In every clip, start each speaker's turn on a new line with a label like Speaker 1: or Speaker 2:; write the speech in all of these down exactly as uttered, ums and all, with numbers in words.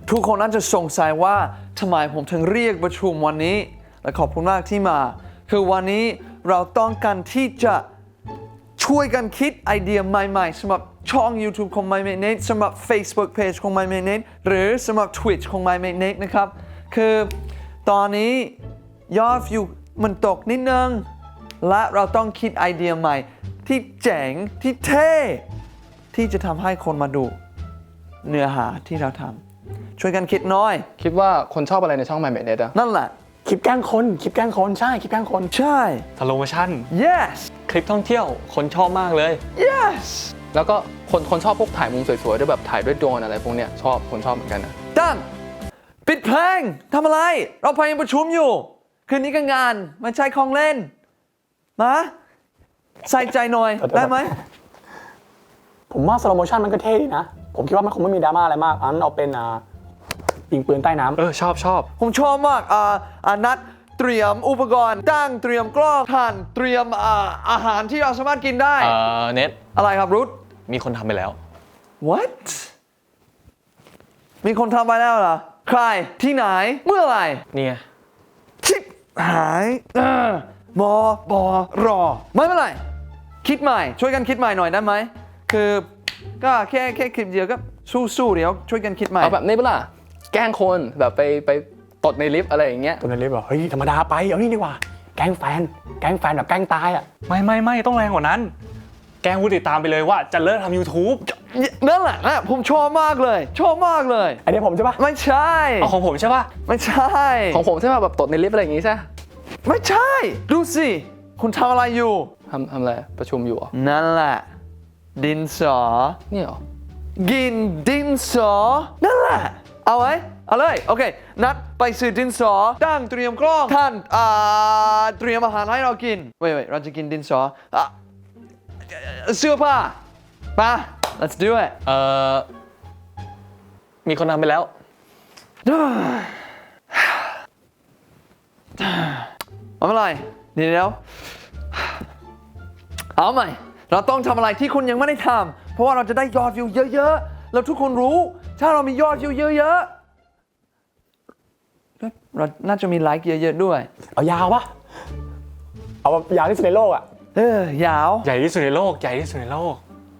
Speaker 1: ทุกคนน่าจะสงสัยว่าทำไมผมถึงเรียกประชุมวันนี้และขอบคุณมากที่มาคือวันนี้เราต้องการที่จะช่วยกันคิดไอเดียใหม่ๆสำหรับช่อง YouTube ของ MyMateNate สำหรับ Facebook Page ของ MyMateNate หรือสำหรับ Twitch ของ MyMateNate นะครับคือตอนนี้ยอดวิวมันตกนิดนึงและเราต้องคิดไอเดียใหม่ที่เจ๋งที่เท่ที่จะทำให้คนมาดูเนื้อหาที่เราทำช่วยกันคิดหน้อย
Speaker 2: คิดว่าคนชอบอะไรในช่อง MyMateNate อะ
Speaker 1: นั่นแหละ
Speaker 3: คลิปแกล้งคนคลิปแกล้งคนใช่คลิปแกล้งคน
Speaker 1: ใช่
Speaker 4: สโลโมชั่น
Speaker 1: yes
Speaker 4: คลิปท่องเที่ยวคนชอบมากเลย
Speaker 1: yes
Speaker 2: แล้วก็คนคนชอบพวกถ่ายมุมสวยๆด้วยแบบถ่ายด้วยโดรนอะไรพวกเนี้ยชอบคนชอบเหมือนกันนะ
Speaker 1: ตั้งปิดเพลงทำอะไร เราพยายามประชุมอยู่ คืนนี้ก็งานไม่ใช่ของเล่น มาใส่ใจหน่อย ได้ไหม
Speaker 3: ผมว่าสโลโมชั่นมันก็เท่ดีนะ ผมคิดว่ามันคงไม่มีดราม่าอะไรมากอันนั้นเอาเป็นอ่ายิงปืนใต้น้ำ
Speaker 4: เออ ชอบชอบ
Speaker 1: ผมชอบมากอ่าอ่านัดเตรียมอุปกรณ์ตั้งเตรียมกล้องถ่านเตรียมอ่าอาหารที่เราสามารถกินได้
Speaker 4: เอ่อ เน็ต
Speaker 1: อะไรครับรุธ
Speaker 4: มีคนทำไปแล้ว
Speaker 1: what มีคนทำไปแล้วเหรอ ใคร ที่ไหน เมื่อไหร่
Speaker 4: นี่ไง
Speaker 1: ชิบหายเออมอบอรอ ไม่เป็นไร คิดใหม่ ช่วยกันคิดใหม่หน่อยได้ไหม คือก็แค่แค่คลิปเดียวก็สู้ๆเดี๋ยวช่วยกันคิดใหม่
Speaker 2: เอาแบบนี้เปล่าแกล้งคนแบบไปไปตดในลิฟต์อะไรอย่างเงี้ย
Speaker 3: ตัวนั้นเลยบอกเฮ้ยธรรมดาไปเอานี่ดีกว่าแกล้งแฟนแกล้งแฟนแบบแกล้งตายอ่ะ
Speaker 4: ไม่ไม่ไม่ต้องแรงกว่านั้น แกล้งผู้ติดตามไปเลยว่าจะเลิกทำ YouTube
Speaker 1: นั่นแหละนะผมชอบมากเลย ชอบมากเลย
Speaker 3: ไอเดียผมใช่ปะ
Speaker 1: ไม่ใช่
Speaker 4: เอาของผมใช่ป่ะ
Speaker 1: ไม่ใช่
Speaker 2: ของผมใช่ป่ะแบบตดในลิฟต์อะไรอย่างงี้ใช่
Speaker 1: ไม่ใช่ ดูสิ คุณทำอะไรอยู่
Speaker 2: ทำทำอะไรประชุมอยู่เหรอ
Speaker 1: นั่นแหละ ดินสอ
Speaker 2: นี่เหรอ
Speaker 1: กินดินสอ นั่นแหละ เอาไว้ เอาเลย โอเค นัดไปซื้อดินสอ ตั้งเตรียมกล้อง ท่านอ่าเตรียมอาหารให้เรากิน เว้ยเว้ยเราจะกินดินสออ่ะเสื้อผ้ามา let's do it
Speaker 4: เอ่อ มีคนทำไปแล้ว
Speaker 1: ไม่เป็นไรเดี๋ยวเอาใหม่ เราต้องทำอะไรที่คุณยังไม่ได้ทำเพราะว่าเราจะได้ยอดวิวเยอะๆแล้วทุกคนรู้ ถ้าเรามียอดวิวเยอะๆเราน่าจะมีไลค์เยอะๆด้วย
Speaker 3: เอายาวปะเอาแบบยาวที่สุดในโลกอ่ะ
Speaker 1: เออยาว
Speaker 4: ใหญ่ที่สุดในโลก ใหญ่ที่สุดในโลก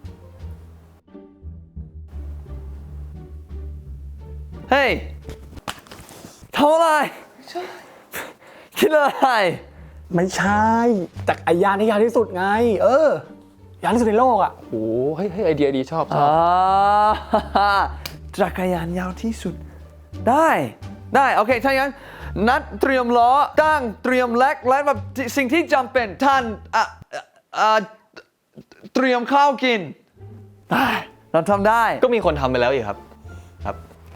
Speaker 1: เฮ้ยทำอะไรคิดอะไร
Speaker 3: ไม่ใช่จากไอยานที่ยาวที่สุดไง เออยาวที่สุดในโลกอ่ะ
Speaker 2: โอ้โหเฮ้ยเฮ้ยไอเดียดีชอบชอ
Speaker 1: อ่า
Speaker 2: บ
Speaker 1: จักรยานยาวที่สุด ได้ได้โอเคถ้าอย่างนั้นนัดเตรียมล้อตั้งเตรียมแลกและแบบสิ่งที่จำเป็นท่านอ่ะอ่ะอ่ะเตรียมข้าวกินได้เราทำได้
Speaker 4: ก็มีคนทำไปแล้วอีกครับ ครับ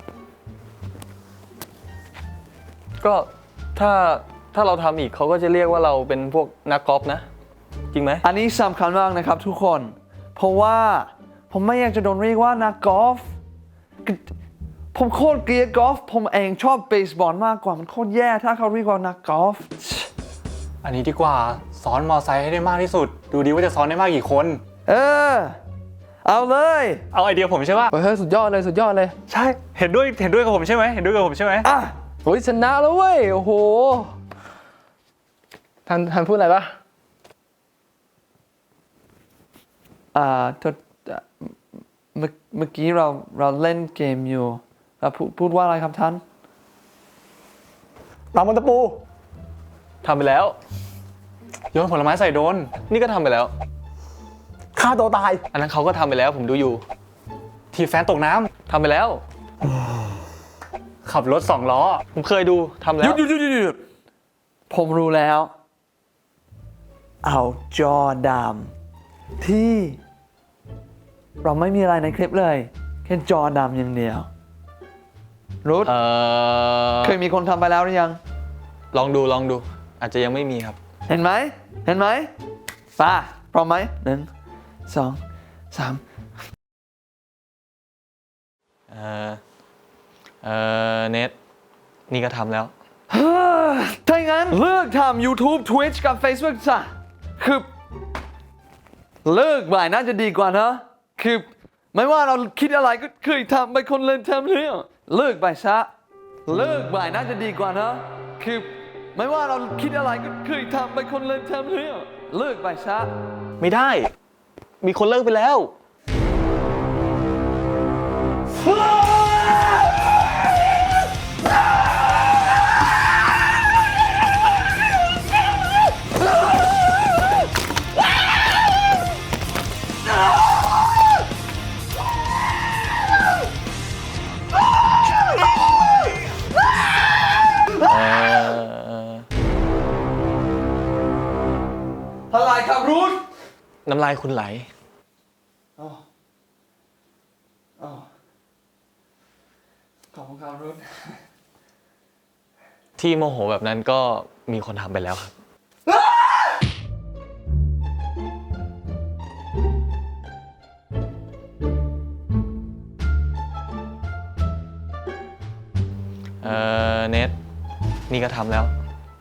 Speaker 4: ก็ถ้าถ้าเราทำอีกเขาก็จะเรียกว่าเราเป็นพวกนักกอล์ฟนะ จริงไหม
Speaker 1: อันนี้สำคัญมากนะครับทุกคน เพราะว่าผมไม่อยากจะโดนเรียกว่านักกอล์ฟผมโคตรเกลียดกอล์ฟผมเองชอบเบสบอลมากกว่ามันโคตรแย่ถ้าเขาเรียกว่านักกอล์ฟ
Speaker 4: อันนี้ดีกว่าซ้อนมอไซค์ให้ได้มากที่สุด ดูดีว่าจะซ้อนได้มากกี่คน
Speaker 1: เออ เอาเลย
Speaker 4: เอาไอเดียผมใช่ป่ะ
Speaker 2: เฮ้ยสุดยอดเลยสุดยอดเลย
Speaker 4: ใช่ เห็นด้วย เห็นด้วยกับผมใช่ไหมเห็นด้วยกับผมใช่ไหม
Speaker 1: อ่ะ
Speaker 2: โอ้ยชนะแล้วเว้ยโอ้โหท่านท่านพูดอะไรปะ
Speaker 1: อ่าทดอ่ะเมื่อเมื่อกี้เราเราเล่นเกมอยู่เราพูดพูดว่าอะไรครับท่าน
Speaker 3: เรามันตะปู
Speaker 4: ทำไปแล้ว โยนผลไม้ใส่โดน นี่ก็ทำไปแล้ว
Speaker 3: ฆ่าตัวตาย
Speaker 4: อันนั้นเขาก็ทำไปแล้วผมดูอยู่ ทีบแฟนตกน้ำทำไปแล้ว ขับรถสองล้อ ผมเคยดูทำแล้
Speaker 1: หยุ
Speaker 4: ว
Speaker 1: ดหยุดหยุดหยุดหยุดผมรู้แล้ว เอาจอดำที่เราไม่มีอะไรในคลิปเลย แค่จอดำอย่างเดียวรุด
Speaker 4: เออ
Speaker 1: เคยมีคนทำไปแล้วหรือยัง
Speaker 4: ลองดูลองดู อาจจะยังไม่มีครับ
Speaker 1: เห็นไหม เห็นไหมป่าพร้อมไหมหนึ่งสองสาม
Speaker 4: เออเออเน็ตนี่ก็ทำแล้ว
Speaker 1: ถ้าอย่างนั้นเลิกทำ YouTube Twitch กับ Facebook ซะคือเลิกบ่ายน่าจะดีกว่านะคือไม่ว่าเราคิดอะไรก็เคยทำไปคนเลยทำเลยเลิกไปซะเลิกไปน่าจะดีกว่านะ คือไม่ว่าเราคิดอะไรก็เคยทำไปคนเลยทำเลยอะเลิกไปซะ
Speaker 4: ไม่ได้ มีคนเลิกไปแล้ว
Speaker 1: อะไรครับรูท
Speaker 4: น้ำลายคุณไหล
Speaker 1: ขอบคุณครับรูท
Speaker 4: ที่โมโหแบบนั้นก็มีคนทำไปแล้วครับ เออเน็ตนี่ก็ทำแล้ว